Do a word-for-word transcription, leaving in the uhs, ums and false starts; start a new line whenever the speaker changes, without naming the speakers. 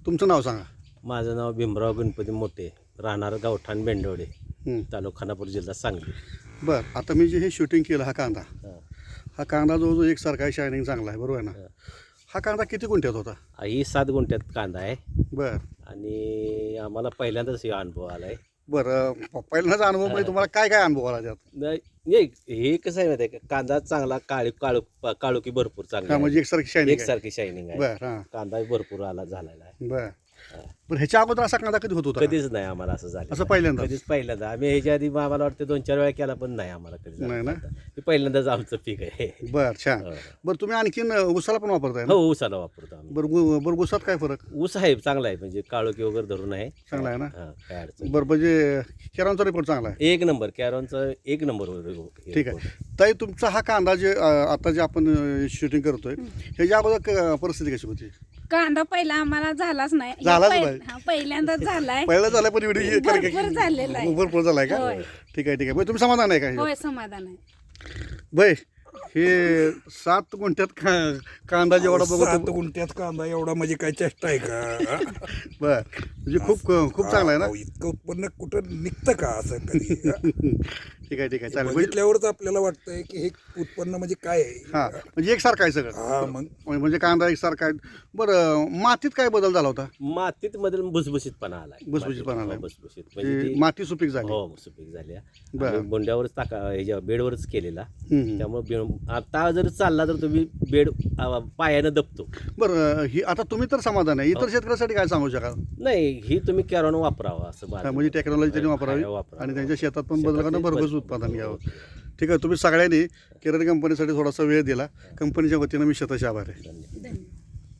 तुमचं नाव सांगा.
माझं नाव भीमराव गणपती मोठे, राहणार गावठाण बेंडवडे,
हं.
तालुका खानापूर, जिल्हा सांगली.
बरं, आता मी जे हे शूटिंग केलं हा कांदा
हां.
हा कांदा जो जो एकसारखा आहे, शायनिंग चांगला आहे, बरोबर आहे ना?
हां.
हा कांदा किती गुंठ्यात होता?
ही सात गुंठ्यात कांदा आहे
बरं
आणि आम्हाला पहिल्यांदाच हे अनुभव आला आहे.
बरं प- पहिल्यांदाच अनुभव म्हणजे तुम्हाला काय काय अनुभव आला त्यात?
नाही, हे कसं आहे माहिती आहे का, कांदा चांगला काळी काळू काळोखी भरपूर चांगली
हा
आहे.
म्हणजे एकसारखी शायनिंग आहे.
एकसारखी शायनिंग आहे.
बरं हां
कांदा भरपूर आला झालेला आहे.
बरं
हां.
बरं ह्याच्या अगोदर असा कांदा कधी होत होता का?
कधीच नाही आम्हाला असं झालं.
असं पहिल्यांदाच?
कधीच पहिल्यांदा. आम्ही ह्याच्या आधी आम्हाला वाटतं दोन चार वेळा केला, पण नाही आम्हाला कधी झालं
नाही ना?
कांदा. हे पहिल्यांदाच आमचं पीक आहे.
बरं छान.
हो.
बरं तुम्ही आणखीन उसाला पण वापरताय ना?
हो, ऊसाला वापरतो आम्ही.
बरं उ- बरं उसात काय फरक
ऊस आहे, चांगला आहे, म्हणजे काळोखी वगैरे धरून आहे.
चांगला आहे ना?
हां, काय अडचण
बरं म्हणजे केरांचा रिपोर्ट चांगला आहे.
एक नंबर कॅरॉनचा एक नंबर होतो.
ठीक आहे. ताई तुमचा हा कांदा जे अ, आता जे आपण शूटिंग करतोय ह्याच्या अगोदर क- परिस्थिती कशी होती?
कांदा पहिला आम्हाला झालाच नाही.
झालाच
पहि-
नाही?
हा, पहिल्यांदाच झालाय.
पहिला झालाय पण व्हिडिओ
भरपूर झालेला आहे.
भरपूर झालाय का?
होय.
ठीक आहे ठीक आहे. बरं, तुम्ही समाधान आहे का?
होय, समाधान आहे.
बाई हे सात गुंठ्यात का- कांदा जेवढा
सात
बघतो.
गुंठ्यात कांदा एवढा म्हणजे काय चेष्टा आहे का?
बर म्हणजे खूप खूप चांगला आहे ना?
अहो, इतकं उत्पन्न कुठं निघतं का असं कधी?
ठीक आहे ठीक आहे चालेल. म्हणजे
बघितल्यावरच आपल्याला वाटतंय की हे उत्पन्न म्हणजे काय आहे.
हा म्हणजे एकसारखं आहे सगळं.
हा मग
म्हणजे कांदा एकसारखा आहे. बरं मातीत काय बदल झाला होता?
मातीत मध्ये भुसभुशीतपणा आलाय.
भुसभुशीतपणा
मातीत,
आलाय.
हो, भुसभुशीत म्हणजे
की
ती-
माती सुपीक झाली.
हो, सुपीक झाली.
बरं.
आम्ही बोंड्यावरच टाका ह्याच्या बेडवरच केलेला.
हम्म, हम्म.
त्यामुळे बे- आता जर चालला तर तुम्ही बेड अ, पायानं दबतो.
बरं ही आता तुम्ही तर समाधान आहे. इतर शेतकऱ्यासाठी काय सांगू शकाल?
नाही, ही तुम्ही कॅरॉन वापरावा असं
हा,
माझं.
म्हणजे टेक्नॉलॉजी त्यांनी वापरावी
हा, वापरावं.
आणि त्यांच्या शेतात पण
शेतात
बदल करणं
ते
भरघोस
बदल-
उत्पादन घ्यावं.
हो.
ठीक आहे तुम्ही सगळ्यांनी केरळ कंपनीसाठी थोडासा वेळ दिला. कंपनीच्या वतीनं मी शतश आभार आहे.
धन्यवाद.
धन्यवाद.